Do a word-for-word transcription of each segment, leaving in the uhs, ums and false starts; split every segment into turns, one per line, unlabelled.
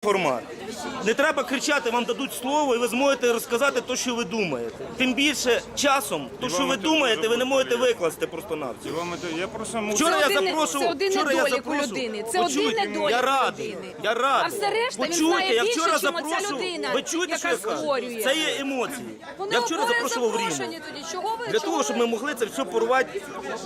формат. Не треба кричати, вам дадуть слово і ви зможете розказати те, що ви думаєте. Тим більше часом, те, що ви думаєте, ви не можете викласти просто-навсього.
Я просто можу...
Вчора я
Це один-
запрошував,
це один
вчора я
недолік у
запрошував.
людини. Це один
Почуйте,
недолік
я
у
радий,
людини.
я радий.
А все решта він
Почуйте,
знає
я
більше,
вчора
чим оця
запрошував.
людина,
Ви чуєте, що я
яка
кажу?
створює.
Це є емоції.
Вони
Я вчора
обоє
запрошував в Рівне.
запрошені тоді. Чого ви?
Для
чого
того, щоб
ви?
ми могли це все порвати,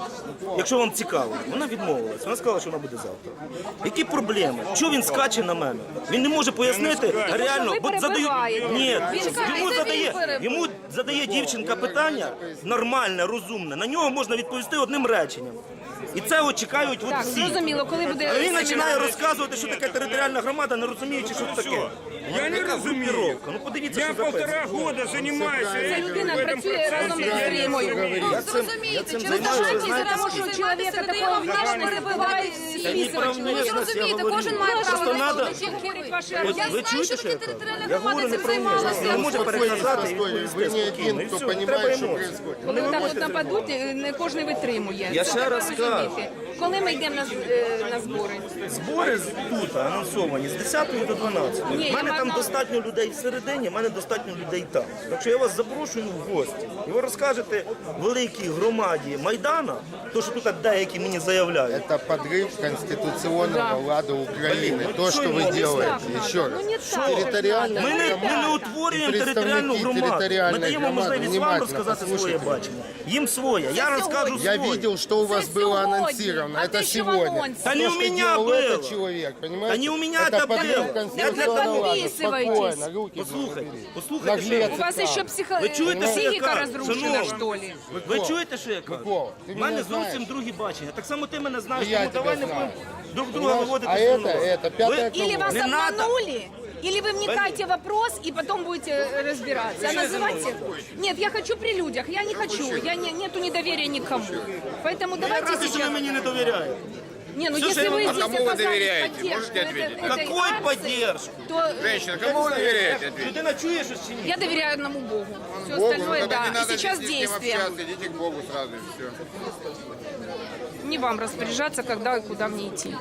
якщо вам цікаво. Вона відмовилась. Вона сказала, що вона буде завтра. Які проблеми? Чого він скаче на мене? Він не може пояснити реально,
ви
бо задаю.
перебиваєте.
Ні,
Він скаже,
йому
це він
задає,
перебив.
йому задає дівчинка питання нормальне, розумне. На нього можна відповісти одним реченням. І це от чекають от
Так,
всі.
зрозуміло, коли буде
А він
семінар.
починає розказувати, що таке територіальна громада, не розуміючи, що це таке.
Я не
Яка
розумію.
групіровка? Ну подивіться,
Я
що записано.
полтора года занимаюсь
Ця людина
в этом
працює разом
процессе.
з Римою.
Я цим, я цим займаюся, ви знаєте,
Тому що у чоловіка такого внешності буває
Та ні, про
Ви
внешність я
розумієте,
говорю.
кожен має право
Просто
на
надо-
свою думку.
От
Я
ви
знаю,
чуєте,
що
що я
таке
кажу?
територіальна
Я
громада
говорю не
цим
про внешність.
займалася.
Не може переказати і
Вы
відповісти
не
спокійно.
один,
І
кто
все,
понимает,
треба
что
емоції.
происходит.
Коли так от нападуть, не кожен витримує.
Я
Це
ще
треба
раз
розуміти.
кажу.
Коли ми йдемо на, з- е, на збори?
Збори з- тут анонсовані з десятої до дванадцятої.
Ні,
У мене
я
там
маю-
достатньо людей всередині, в мене достатньо людей там. Так що я вас запрошую в гості. І ви розкажете великій громаді Майдана, то, що тут деякі мені заявляють.
Это подрыв конституционного лада Украины. То, что вы
не
делаете.
так
Еще
надо.
раз.
Ну, не так.
Территориальная
Ми не, ми не
громада
утворюємо
і
територіальну
представники
громаду. Ми
територіальної
даємо
громади,
можливість вам
внимательно
розказати своє
послухайте.
бачення. Їм своє. Я
Це
розкажу
сьогодні.
Я
своє.
видел, что у вас
Это
было
сегодня.
анонсировано.
А
Это
ты что в
сегодня.
анонсе?
Да не
То,
у
что
меня
делал
было.
этот человек, понимаете?
Да не у меня
это
это
подрыв
было.
конституционного лада.
Подписывайтесь.
Спокойно, руки
Послухайте,
забери.
послухайте, що я
Наглец.
У вас ще психо...
Ви чуєте, що я
психіка
кажу?
розрушена,
Шановні.
що ли?
Ви чуєте, що я кажу?
Микола, ти
У
мене
мене
знаєш.
зовсім другі бачення. Так само ти мене знаєш,
І я
тому
тебе
давай не
знаю.
будемо друг друга
Понимаешь?
виводити
А
з
это,
носа.
это, пятая
Ви-
Или вас
Не надо.
обманули, или вы вникаете в вопрос и потом будете э, разбираться. А называйте... Нет, я хочу при людях, я не хочу, я не, нету недоверия никому. Поэтому
Я
давайте
радий, що ви
сейчас...
мені не довіряєте.
Не, ну
Всё,
если
что
вы
я-
здесь
А кому
вы
оказали
доверяете?
поддержку
Можете
этой-
ответить?
этой
Какой
акции,
поддержку?
то
Женщина, кому вы доверяете? Ответьте.
Людина чує щось чи ні?
я доверяю одному Богу. Все
Богу, ну
остальное,
тогда не
да.
надо
И сейчас
с ним
действия.
общаться, идите к Богу сразу и все.
Не вам распоряжаться, когда и куда мне идти.